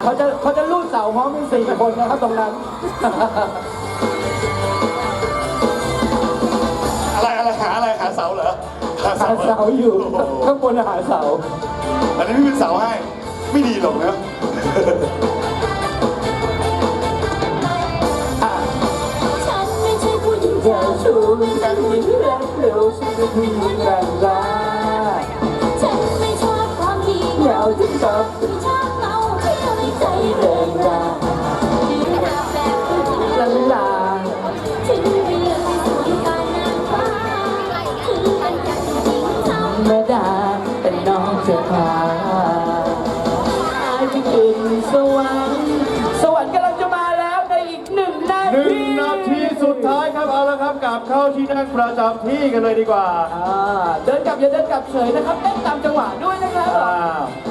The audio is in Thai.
เขาจะลูดเสาพร้อมเป็น4 คนนะครับตรงนั้นหาเสาเหรอหาหาเสาอยู่ข้างบนหาเสาอันนี้พี่เป็นเสาให้ไม่ดีหรอกนะฉันไม่ใช่ผู้หญิงเจ้าชู้ฉันไม่เร็วเร็วฉันเป็นผู้หญิงแรงกล้าฉันไม่ชอบความดีเหงาที่ชอบที่ชอบเมาที่ทำให้ใจแรงกล้าลาลาถึงเรื่องไม่สวยตานางฟ้าถึงเป็นอย่างจริงธรรมดาแต่น้องจะพาอายไปขึ้นสวรรค์สวรรค์กำลังจะมาแล้วในอีก1 นาที 1 นาทีสุดท้ายครับเอาละครับกลับเข้าที่นั่งประจำที่กันเลยดีกว่าเดินกลับอย่าเดินกลับเฉยนะครับเต้นตามจังหวะด้วยนะครับ